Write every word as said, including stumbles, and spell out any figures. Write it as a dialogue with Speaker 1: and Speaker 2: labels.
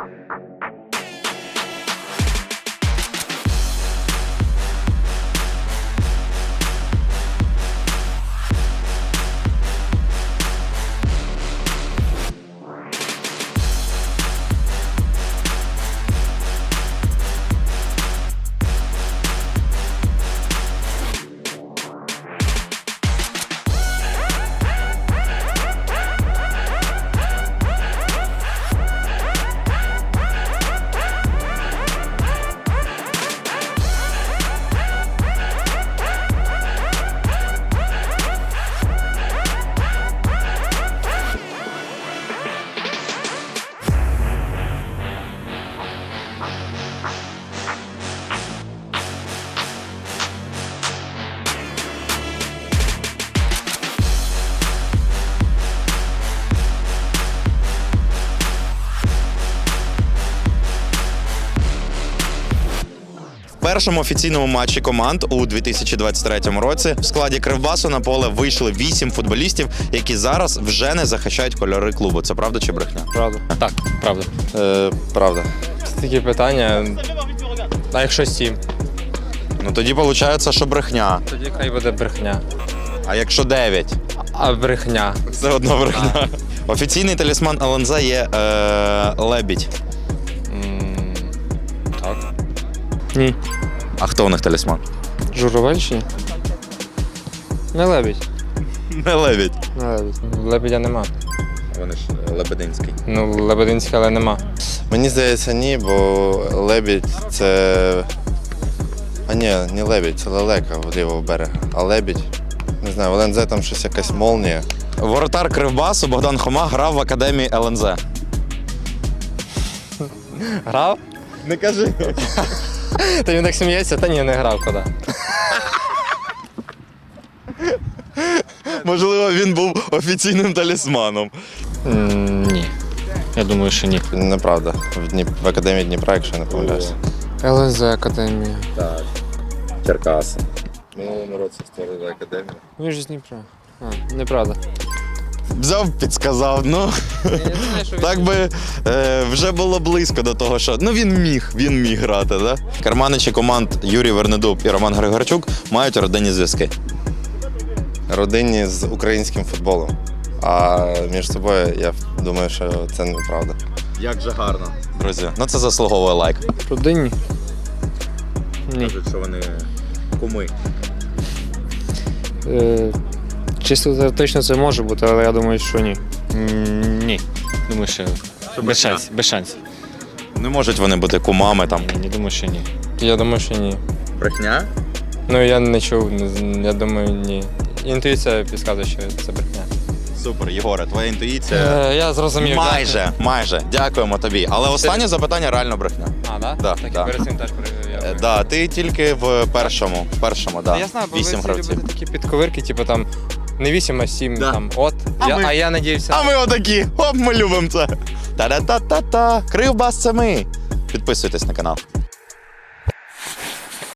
Speaker 1: В першому офіційному матчі команд у дві тисячі двадцять третьому році в складі Кривбасу на поле вийшли вісім футболістів, які зараз вже не захищають кольори клубу. Це правда чи брехня?
Speaker 2: Правда. Так, правда.
Speaker 3: Е, правда.
Speaker 2: Це такі питання. А якщо сім?
Speaker 1: Ну тоді виходить, що брехня.
Speaker 2: Тоді хай буде брехня.
Speaker 1: А якщо дев'ять?
Speaker 2: А брехня.
Speaker 1: Все одно брехня. Офіційний талісман ел ен зет є е, лебідь.
Speaker 2: М, Так. Ні.
Speaker 1: А хто у них талісман?
Speaker 2: Журавель чи ні? Не лебідь.
Speaker 1: Не лебідь.
Speaker 2: Не лебідь. Лебедя нема.
Speaker 1: Вони ж Лебединський.
Speaker 2: Ну, Лебединська, але нема.
Speaker 3: Мені здається, ні, бо лебідь це. А ні, не лебідь, це лелека в лівого берега. А лебідь, не знаю, в ел ен зет там щось якась молнія.
Speaker 1: Воротар Кривбасу Богдан Хома грав в академії ел ен зет.
Speaker 2: Грав?
Speaker 1: Не кажи.
Speaker 2: Та він так сміється, та ні, не грав куди.
Speaker 1: Можливо, він був офіційним талісманом.
Speaker 2: Ні. Я думаю, що ні.
Speaker 3: Неправда. В, Дніп... в академії Дніпра, якщо я не помиляюся.
Speaker 2: ел ен зет Академія.
Speaker 3: Так. Черкаси. Минулому році створили академію.
Speaker 2: Він ж з Дніпра. А, неправда.
Speaker 1: Взяв, підсказав, ну. Так би е, вже було близько до того, що ну він міг, він міг грати, да? Керманичі команд Юрій Вернедуб і Роман Григорчук мають родинні зв'язки.
Speaker 3: Родинні з українським футболом. А між собою я думаю, що це неправда.
Speaker 1: Як же гарно. Друзі, ну це заслуговує лайк.
Speaker 2: Родинні? Ні.
Speaker 1: Кажуть, що вони куми.
Speaker 2: Е, чисто теоретично це може бути, але я думаю, що ні.
Speaker 4: Ні. Думаю, що без шансів. Без шансів.
Speaker 1: Не можуть вони бути кумами там.
Speaker 4: Ні, думаю, що ні.
Speaker 2: Я думаю, що ні.
Speaker 1: Брехня?
Speaker 2: Ну я не чув, не з- я думаю, ні. Інтуїція підказує, що це брехня.
Speaker 1: Супер, Єгоре, твоя інтуїція.
Speaker 2: Е, я зрозумів.
Speaker 1: Майже, майже. Дякуємо тобі. Але останнє запитання реально брехня.
Speaker 2: А, да?
Speaker 1: Да,
Speaker 2: так
Speaker 1: да.
Speaker 2: і перед цим теж перевіряв.
Speaker 1: Е, Да, ти тільки в першому, в першому, да.
Speaker 2: Я знаю, бо
Speaker 1: Вісім
Speaker 2: ви всі
Speaker 1: гравців.
Speaker 2: любите такі підковирки, типу там не вісім, а сім,
Speaker 1: Да.
Speaker 2: там от.
Speaker 1: А
Speaker 2: я,
Speaker 1: ми-
Speaker 2: а я надіявся.
Speaker 1: А ми отакі. Оп, ми любимо це. Та-да-та-та-та. Кривбас це ми. Підписуйтесь на канал.